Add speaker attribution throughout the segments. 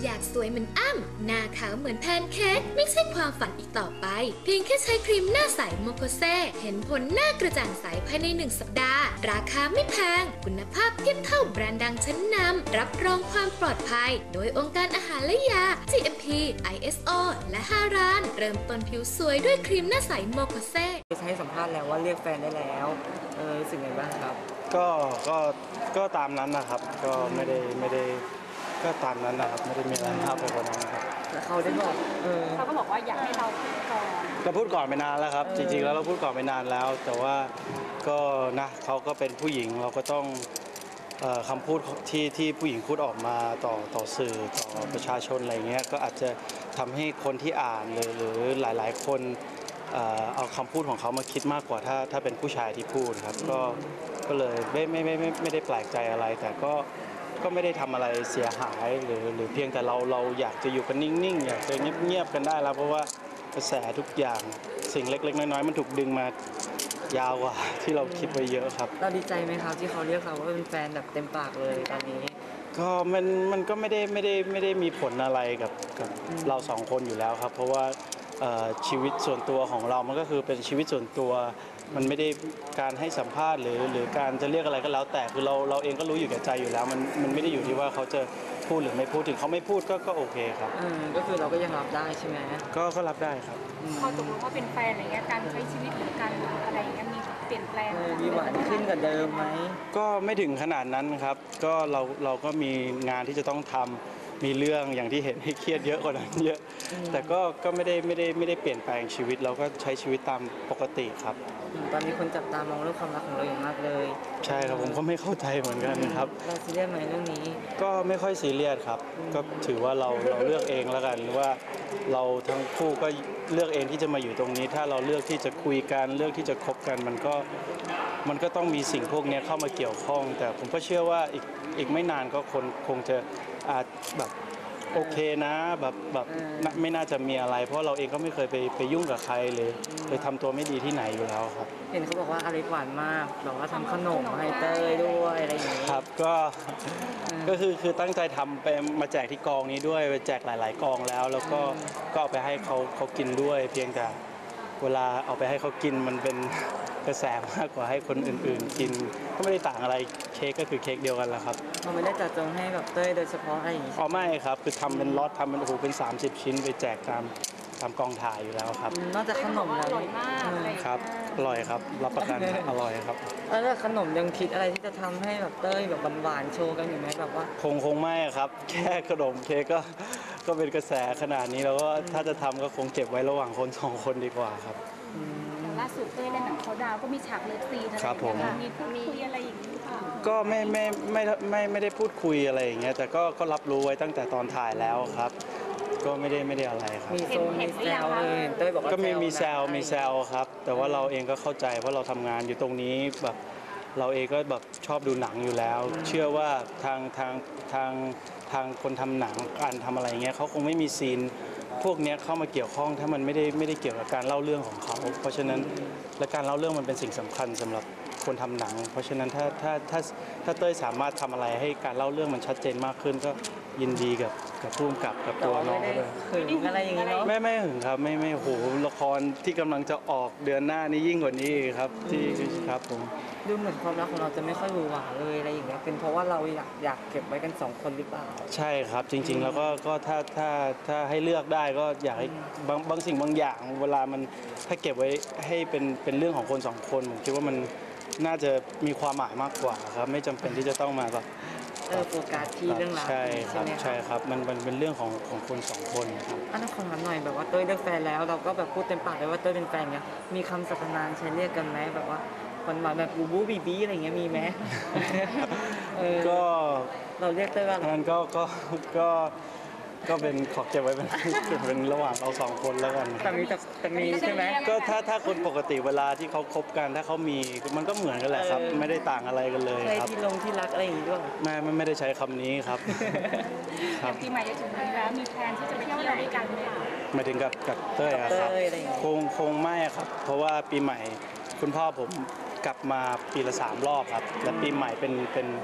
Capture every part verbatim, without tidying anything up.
Speaker 1: อยากสวยเหมือนอ้ำหน้าขาวเหมือนแพนเค้กไม่ใช่ความฝันอีกต่อไปเพียงแค่ใช้ครีมหน้าใสโมโคเซเห็นผลหน้ากระจ่างใสภายในหนึ่งสัปดาห์ราคาไม่แพงคุณภาพเทียบเท่าแบรนด์ดังชั้นนำรับรองความปลอดภัยโดยองค์การอาหารและยา จี เอ็ม พี ไอ เอส โอ และห้าร้านเริ่มต้นผิวสวยด้วยครีมหน้าใสโมโคเซ
Speaker 2: ให้สัมภาษณ์แล้วว่าเรียกแฟนได้แล้วเออรู้สึกไงบ้างครับ
Speaker 3: ก็ก็ก็ตามนั้นนะครับก็ไม่ได้ไม่ได้ก็ตามนั้นนะครับไม่ได้มีอะไรมากไปกว่านั้นครับ
Speaker 2: แล้วเขาได้บอกเออ
Speaker 4: เขาก็บอกว่าอยากให้เราพูดก่อน
Speaker 3: เราพูดก่อนไปนานแล้วครับจริงๆแล้วเราพูดก่อนไปนานแล้วแต่ว่าก็นะเขาก็เป็นผู้หญิงเราก็ต้องคำพูดที่ที่ผู้หญิงพูดออกมาต่อต่อสื่อต่อประชาชนอะไรเงี้ยก็อาจจะทำให้คนที่อ่านหรือหรือหลายๆคนเอาคำพูดของเขามาคิดมากกว่าถ้าถ้าเป็นผู้ชายที่พูดครับก็ก็เลยไม่ไม่ไม่ไม่ไม่ได้แปลกใจอะไรแต่ก็ก็ไม่ได้ทำอะไรเสียหายหรือหรือเพียงแต่เราเราอยากจะอยู่กันนิ่งๆอยากจะเงียบๆกันได้แล้วเพราะว่ากระแสทุกอย่างสิ่งเล็กๆน้อยๆมันถูกดึงมายาวกว่าที่เราคิดไว้เยอะครับ
Speaker 2: เราดีใจไหมครับที่เขาเรียกเราว่าเป็นแฟนแบบเต็มปากเลยตอนนี้
Speaker 3: ก็มันมันก็ไม่ได้ไม่ได้ไม่ได้มีผลอะไรกับกับเราสองคนอยู่แล้วครับเพราะว่าชีวิตส่วนตัวของเรามันก็คือเป็นชีวิตส่วนตัวมันไม่ได้การให้สัมภาษณ์หรือหรือการจะเรียกอะไรก็แล้วแต่คือเราเราเองก็รู้อยู่แก่ใจอยู่แล้วมันมันไม่ได้อยู่ที่ว่าเขาจะพูดหรือไม่พูดถึงเขาไม่พูดก็ก็โอเคครับ
Speaker 2: ก็คือเราก็ยังรับได้ใช่ไหม
Speaker 3: ก็ก็รับได้ครับ
Speaker 4: พอตกลงว่าเป็นแฟนอะไรเงี้ยการใช้ชีวิตหรือการอะไรเงี้ยมีเปลี่ยนแปลง
Speaker 2: มีหวานขึ้นกว่าเดิมไหม
Speaker 3: ก็ไม่ถึงขนาดนั้นครับก็เราเราก็มีงานที่จะต้องทำมีเรื่องอย่างที่เห็นให้เครียดเยอะกว่านั้นเยอะแต่ก็ก็ไม่ได้ไม่ได้ไม่ได้เปลี่ยนแปลงชีวิตเราก็ใช้ชีวิตตามปกติครับ
Speaker 2: ตอนนี้คนจับตามองเรื่องความรักของเราอย่างมากเลย
Speaker 3: ใช่ครับผมก็ไม่เข้าใจเหมือนกันครับ
Speaker 2: เราซีเรียสไหมเรื่องนี้
Speaker 3: ก็ไม่ค่อยซีเรียสครับก็ถือว่าเราเราเลือกเองแล้วกันหรือว่าเราทั้งคู่ก็เลือกเองที่จะมาอยู่ตรงนี้ถ้าเราเลือกที่จะคุยกันเลือกที่จะคบกันมันก็มันก็ต้องมีสิ่งพวกนี้เข้ามาเกี่ยวข้องแต่ผมก็เชื่อว่าอีกอีกไม่นานก็คนคงจะอาจแบบโอเคนะแบบแบบไม่น่าจะมีอะไรเพราะเราเองก็ไม่เคยไปไปยุ่งกับใครเลยไปทำตัวไม่ดีที่ไหนอยู่แล้วครับ
Speaker 2: เห็นเขาบอกว่าอเล็กหวานมากบอกว่าทำขนมให้เต้ยด้วยอะไรอย่างนี้
Speaker 3: ครับก็ก็คือคือตั้งใจทำไปมาแจกที่กองนี้ด้วยไปแจกหลายๆกองแล้วแล้วก็ก็เอาไปให้เขาเขากินด้วยเพียงแต่เวลาเอาไปให้เขากินมันเป็นกระแสมากกว่าให้คนอื่นๆกินก็ไม่ได้ต่างอะไรเค้กก็คือเค้กเดียวกันแหละครับ
Speaker 2: เราไม่ได้จัดจงให้แบบเต้ยโดยเฉพาะอะไรอย่างนี้
Speaker 3: อ๋อไม่ครับคือทำเป็นล็อตทำเป็นโอ้โหเป็นสามสิบชิ้นไปแจกตามตามกองถ่ายอยู่แล้วครับ
Speaker 2: นอกจากขนมแล้ว
Speaker 4: อร่อยมาก
Speaker 3: ครับอร่อยครับรับประกันอร่อยครับ
Speaker 2: แล้วขนมยังคิดอะไรที่จะทำให้แบบเต้ยแบบหวานๆโชว์กันอยู่ไหมแบบว่า
Speaker 3: คงคงไม่ครับแค่ขนมเค้กก็ก็เป็นกระแสขนาดนี้แล้วก็ถ้าจะทำก็คงเก็บไว้ระหว่างคนสองคนดีกว่าครับ
Speaker 4: ล่าสุดเต้ยในหนังเขาดาวก็มีฉากเลิฟซีนอะไรอย่างเงี้ยมีพูดคุยอะไรอย่างนี้ค่ะ
Speaker 3: ก็ไม่ไม่ไม่ไม่ไม่ได้พูดคุยอะไรอย่างเงี้ยแต่ก็ก็รับรู้ไว้ตั้งแต่ตอนถ่ายแล้วครับก็ไม่ได้ไม่ได้อะไรครับ
Speaker 2: มีโซนมีแซวเลยเต้ยบอกว่า
Speaker 3: ก็มีมีแซวมีแซวครับแต่ว่าเราเองก็เข้าใจเพราะเราทำงานอยู่ตรงนี้แบบเราเองก็แบบชอบดูหนังอยู่แล้วเชื่อว่าทางทางทางทางคนทำหนังการทำอะไรเงี้ยเขาคงไม่มีซีนพวกนี้เข้ามาเกี่ยวข้องถ้ามันไม่ได้ไม่ได้เกี่ยวกับการเล่าเรื่องของเขาเพราะฉะนั้นและการเล่าเรื่องมันเป็นสิ่งสำคัญสำหรับคนทำหนังเพราะฉะนั้นถ้าถ้าถ้าถ้าเต้ยสามารถทำอะไรให้การเล่าเรื่องมันชัดเจนมากขึ้นก็ยินดีกับกับผู้กำกับกับตัวน้องด้วย
Speaker 2: หึงอะไรอย่างนี้เนาะ
Speaker 3: ไม่ไม่หึงครับไม่ไม่โหละครที่กำลังจะออกเดือนหน้านี้ยิ่งกว่านี้ครับที่ครับผม
Speaker 2: ดูเหมือนความรักของเราจะไม่ค่อยหวือหวาเลยอะไรอย่างเงี้ยเป็นเพราะว่าเราอยากอยากเก็บไว้กันสองคนหรือเปล่า
Speaker 3: ใช่ครับจริงๆแล้วก็ก็ถ้าถ้าถ้าให้เลือกได้ก็อยากให้บางบางสิ่งบางอย่างเวลามันถ้าเก็บไว้ให้เป็นเป็นเรื่องของคนสองคนผมคิดว่ามันน่าจะมีความหมายมากกว่าครับไม่จำเป็นที่จะต้องมาแบบ
Speaker 2: เออโฟกัสที่เรื่องราว
Speaker 3: ใช่ครับใช่ครับมันมันเป็นเรื่องของของคนสองคนครับ
Speaker 2: อันนั้นขอถามหน่อยแบบว่าเต้ยเลือกแฟนแล้วเราก็แบบพูดเต็มปากเลยว่าเต้ยเป็นแฟนเงี้ยมีคำสรรพนามใช้เรียกกันไหมแบบว่าหวานๆแบบบูบูบีบีอะไรเงี้ยมีไหม
Speaker 3: ก็
Speaker 2: เราเรียกเต้ยว่า
Speaker 3: งั้นก็ก็ก็ก็เป็นขอเก็บไว้เป็นเป็นระหว่างเราสองคนแล้วกัน
Speaker 2: แต่มีแต่มีใช่ไหม
Speaker 3: ก็ถ้าถ้าคนปกติเวลาที่เขาคบกันถ้าเขามีมันก็เหมือนกันแหละครับไม่ได้ต่างอะไรกันเลยครับ
Speaker 2: ที่ลงที่รักอะไรอย่างนี้ด้วย
Speaker 3: ไม่ไม่ได้ใช้คำนี้ครับ
Speaker 4: ครับปีใหม่จะถึงแล้วมีแพลนที่จะไปเที่ยวด้วยกันไหมคะ
Speaker 3: หมายถึงกับกับเต้ยครับคงคงไม่ครับเพราะว่าปีใหม่คุณพ่อผมกลับมาปีละสามรอบครับและปีใหม่เป็นเป็น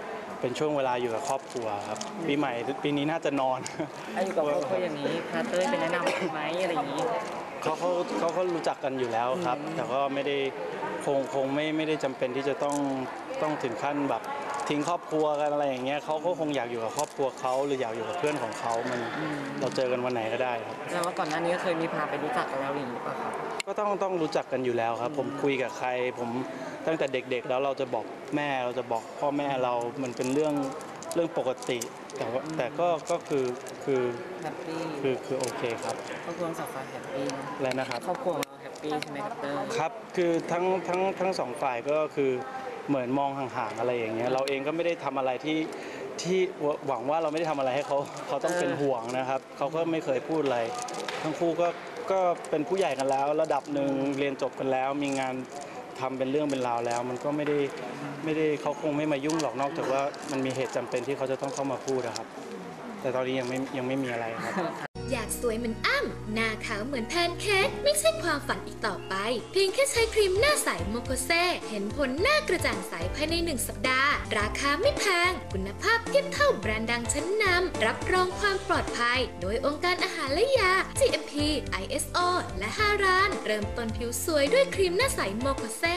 Speaker 3: เป็นช่วงเวลาอยู่กับครอบครัวครับปีใหม่ปีนี้น่าจะนอน
Speaker 2: ถ้าอยู่กับครอบครัวอย่างนี้พาเต้ยไปแนะนำไหมอะไรอย่างนี้
Speaker 3: เขาเขาเขาเขารู้จักกันอยู่แล้วครับ แต่ก็ไม่ได้คงคงไม่ไม่ได้จำเป็นที่จะต้องต้องถึงขั้นแบบทิ้งครอบครัวกันอะไรอย่างเงี้ยเขาก็คงอยากอยู่กับครอบครัวเขาหรืออยากอยู่กับเพื่อนของเขามันเราเจอกันวันไหนก็ได้ครับ
Speaker 2: แล้วว่าก่อนหน้านี้ก็เคยมีพาไปรู้จักกันแล้วอย่างนี้ป่ะครับ
Speaker 3: ก็ต้องต้องรู้จักกันอยู่แล้วครับ ผมคุยกับใครผมตั้งแต่เด็กๆ แล้วเราจะบอกแม่เราจะบอกพ่อแม่เรามันเป็นเรื่องเรื่องปกติ แต่ว่าแต่ก็ก็คือคือ
Speaker 2: แฮปปี้
Speaker 3: คือคือโอเคครับ
Speaker 2: ครอบครัวสองฝ่ายแฮปปี้นะ
Speaker 3: และนะครับ
Speaker 2: ครอบครัวของเราแฮปปี้ใช่ไหมครับเต้ย
Speaker 3: ครับ คือทั้งทั้งทั้งสองฝ่ายก็คือเหมือนมองห่างๆอะไรอย่างเงี้ย เราเองก็ไม่ได้ทำอะไรที่ที่หวังว่าเราไม่ได้ทำอะไรให้เขาเขาต้องเป็นห่วงนะครับ เขาก็ไม่เคยพูดอะไร ทั้งคู่ก็ก็เป็นผู้ใหญ่กันแล้ว ระดับหนึ่งเรียนจบกันแล้ว มีงานทำเป็นเรื่องเป็นราวแล้ว มันก็ไม่ได้ไม่ได้เขาคงไม่มายุ่งหรอกนอกจากว่ามันมีเหตุจำเป็นที่เขาจะต้องเข้ามาพูดนะครับ แต่ตอนนี้ยังไม่ยังไม่มีอะไรครับ
Speaker 1: อยากสวยเหมือนอ้ำหน้าขาวเหมือนแพนเค้กไม่ใช่ความฝันอีกต่อไป เพียงแค่ใช้ครีมหน้าใสโมโคเซเห็นผลหน้ากระจ่างใสภายในหนึ่งสัปดาห์ ราคาไม่แพง คุณภาพเทียบเท่าแบรนด์ดังชั้นนำรับรองความปลอดภัย โดยองค์การอาหารและยา จี เอ็ม พี ไอ เอส โอ และฮารานเริ่มต้นผิวสวยด้วยครีมหน้าใสโมโคเซ